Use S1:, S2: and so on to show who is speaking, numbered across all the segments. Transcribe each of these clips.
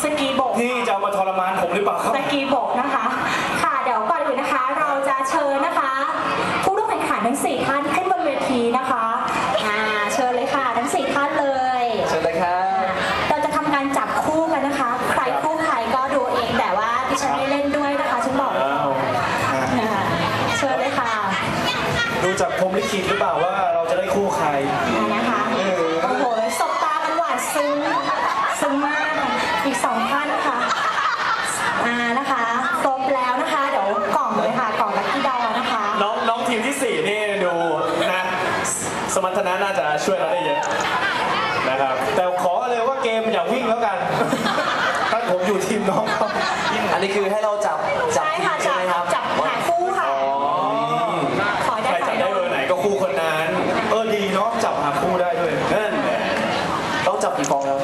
S1: กีโบก
S2: ที่จะมาทรมานผมหรือเปล่าครับ
S1: สกีโบกนะคะค่ะเดี๋ยวก่อนอื่นนะคะเราจะเชิญนะคะผู้ร่วมแข่งขันทั้ง4ท่านขึ้นบนเวทีนะคะเชิญเลยค่ะทั้ง4ท่านเลย
S3: เชิญเลยครับ
S1: เราจะทำการจับคู่กันนะคะใครคู่ใครก็ดูเองแต่ว่าดิฉันไม่เล่นด้วยนะคะฉันบอกเชิญเลยค่ะ
S2: ดูจากพรหมลิขิตหรือเปล่าว่าเราจะได้คู่ใคร
S1: นะคะโอ้โหสบตากันหวานซึ้งมากอีก2ท่านค่ะนะคะครบแล้วนะคะเดี๋ยวกล่องเลยค่ะกล่องลัคกี้ดอนะคะ
S2: น้องทีมที่4นี่ดูนะสมรรถนะน่าจะช่วยเราได้เยอะนะครับแต่ขอเลยว่าเกมอย่าวิ่งแล้วกันถ้าผมอยู่ทีมน้องเขา
S3: อันนี้คือให้เราจับ
S1: ใช่ค่ะจับหาคู่ค่ะ
S2: ใครจับได้เบอร์ไหนก็คู่คนนั้นดีเนาะจับหาคู่ได้ด้วยนั่นแหละ
S3: ต้องจับกี่ฟองแล้ว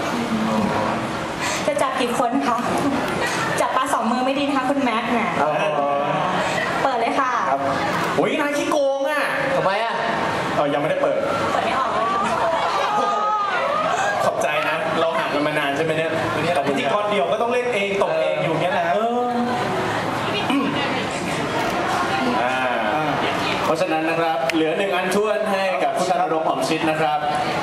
S1: จะจับกี่คนคะจับปลา2 มือไม่ดีนะคะคุณแม็กซ์เนี่ยเปิดเลยค่ะ
S2: โอ้ยนายขี้โกงอ่ะ
S3: ทำไมอ่ะ
S2: ยังไม่ได้เปิด
S1: ไม่ออกเลย
S2: ขอบใจนะเราห่างกันมานานใช่ไหมเนี่ยแต่พิธีกรเดี่ยวก็ต้องเล่นเองตกเองอยู่เงี้ยแหละเพราะฉะนั้นนะครับเหลือ1 อันท้วนให้กับคุณธนรงค์หอมชิดนะครับ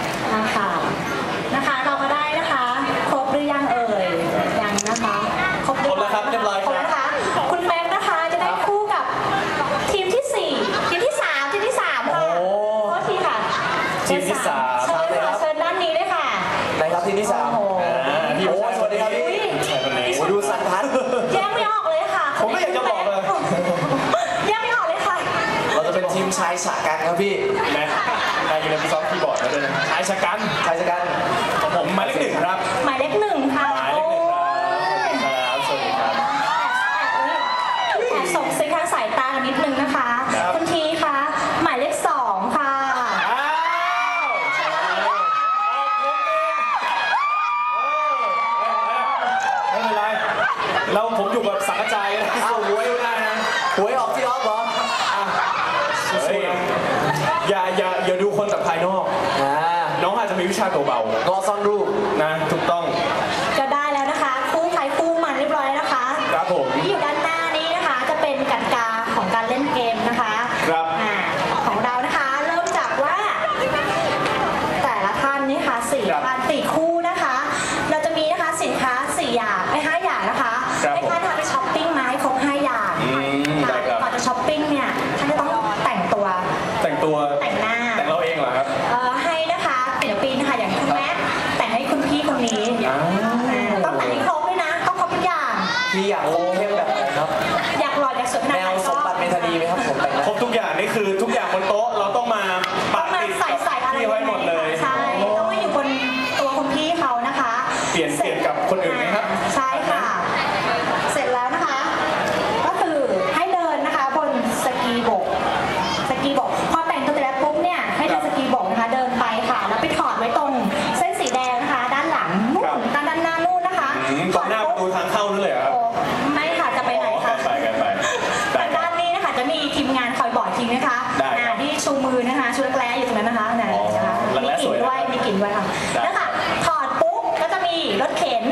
S1: นะคะเราก็ได้นะคะครบหรือยังเอ่ยยังนะคะ
S2: ครบแล้วครับเรียบร้อยครับ
S1: นะคะคุณแม็กซ์นะคะจะได้คู่กับทีมที่4ทีมที่3ค่ะโอ้ทีค่ะ
S2: ทีมที่3
S1: เชิญด้านนี้เลยค่ะ
S3: ไหนครับทีมที่3พี่โอ้สวัสดีครับพี่ดูสันทัด
S1: แยกไม่ออกเลยค่ะ
S2: ผมไม่อยากจะบอกเลย
S1: แยกไม่ออกเลยค่ะ
S3: เราจะเป็นทีมชายฉะกันครับพี่
S2: แม็กนายอยู่ในซ้อมคีย์บอร์ดแล้วด้วยชายฉะกันผมหมายเลข1ครับ
S1: หมายเลข1ค่ะ
S2: สวัสดีครับ
S1: แอบส่งซิกทางสายตานิดนึงนะคะคุณทีคะหมายเลข2ค่ะ
S2: ไม่เป็นไรผมอยู่แบบสังกะจายหวยได้นะ
S3: หวยออกที่ออฟเหรอ
S2: อย่าดูคนจากภายนอกน้องอาจจะมีวิชาเบาๆ
S3: ก็ซ่อนรูป
S2: นะถูกต้อง
S1: ก็ได้แล้วนะคะคู่ใครคู่มันเรียบร้อยนะคะ
S2: ครับผม
S1: ที่อยู่ด้านหน้านี้นะคะจะเป็นกติกาของการเล่นเกมนะคะ
S2: ครับ
S1: ของเรานะคะเริ่มจากว่าแต่ละท่านนี่ค่ะ4 ท่าน4 คู่นะคะเราจะมีนะคะสินค้า4 อย่าง5 อย่างนะคะให้ท่านไปช้อปปิ้งมาให้ครบ5 อย่างก่อนจะช้อปปิ้งเนี่ยท่านจะต้องแต่งหน้า
S2: แต่งเราเองเหรอครับ
S1: ให้นะคะศิลปินค่ะอย่างคุณแม่แต่งให้คุณพี่คนนี้ต้องแต่งให้ครบด้วยนะต้องครบทุกอย่าง
S3: พี่อยากครบเข้มแบบไหนครับ
S1: อยากหล่ออยากสวยขนาดไหน
S3: แนวสมบัติเมธานีไหมครับผมแต่ง
S2: ครบทุกอย่างนี่คือทุกอย่างบนโต๊ะเราต้องมาปักติดที่ไว้หมดเลย
S1: ใช่ต้องมาอยู่บนตัวคุณพี่เขานะคะ
S2: เปลี่ยนกับคนอื่นไหมครับ
S1: ใช่ค่ะเสร็จแล้วนะคะก็คือให้เดินนะคะบนสกีโบกพอแต่งตัวเสร็จแล้วปุ๊บเนี่ยให้เดินสกีโบกนะคะเดินไปค่ะแล้วไปถอดไว้ตรงเส้นสีแดงนะคะด้านหลังนู่นด้านหน้านู่นนะคะ
S2: ตรงหน้าประตูทางเข้านั่นเลยครับ
S1: ไม่ค่ะจะไปไหนคะไปด้านนี้นะคะจะมีทีมงานคอยบอกทีนะคะที่ชูมือนะคะชูแร้อยู่ตรงนั้นนะคะมีกลิ่นด้วยค่ะแล้วค่ะถอดปุ๊บก็จะมีรถเข็น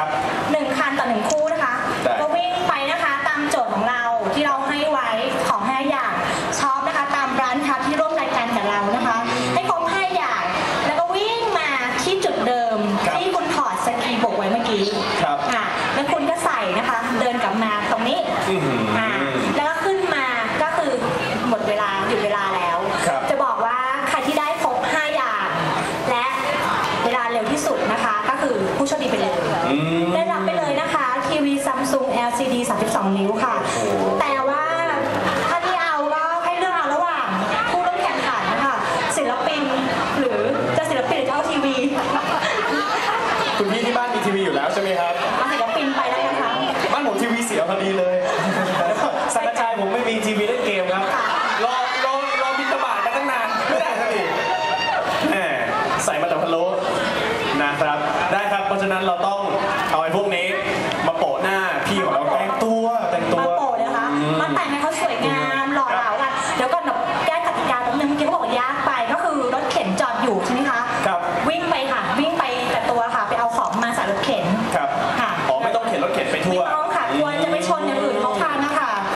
S1: 1 คันต่อ1 คู่นะคะก็วิ่งไปนะคะตามโจทย์ของเราที่เราให้ไว้ของ5 อย่างชอบนะคะตามร้านค้าที่ร่วมรายการกับเรานะคะให้ครบ5 อย่างแล้วก็วิ่งมาที่จุดเดิมที่คุณถอดสกีโบกไว้เมื่อกี้แล้วคุณก็ใส่นะคะเดินกลับมาตรงนี้แล้วก็ขึ้นมาก็คือหมดเวลาหยุดเวลาแล้วจะบอกว่าใครที่ได้ครบ5 อย่างและเวลาเร็วที่สุดนะคะก็คือผู้โชคดีไปเลยได้รับไปเลยนะคะทีวี Samsung LCD 32 นิ้วค่ะแต่ว่าถ้าที่เอาก็ให้เลือกเอาระหว่างผู้ร่วมแข่งขันนะคะศิลปินหรือจะศิลปินหรือจะเอาทีวี
S2: คุณพี่ที่บ้านมีทีวีอยู่แล้วใช่ไหมครับ
S1: ศิลปินไปแล้วนะคะ
S2: บ้านผมทีวีเสียพอดีเลยสังกะจายผมไม่มีทีวีเล่นเกมครับรอบินตบาทมาตั้งนานไม่ได้สักทีใส่มาแต่พะโล้นะครับได้ครับเพราะฉะนั้นเราต้องเอาไอ้พวกนี้มาโปะหน้าพี่ของเราแต่งตัว
S1: มาโปะนะคะมาแต่งให้เขาสวยงามหล่อเหลากันเดี๋ยวก่อนแก้กติกาตรงนึงเมื่อกี้เขาบอกยากไปก็คือรถเข็นจอดอยู่ใช่ไหมคะวิ่งไปค่ะวิ่งไปแต่ตัวค่ะไปเอาของมาใส่รถเข็นค่ะอย่างอื่นเขาทานนะคะ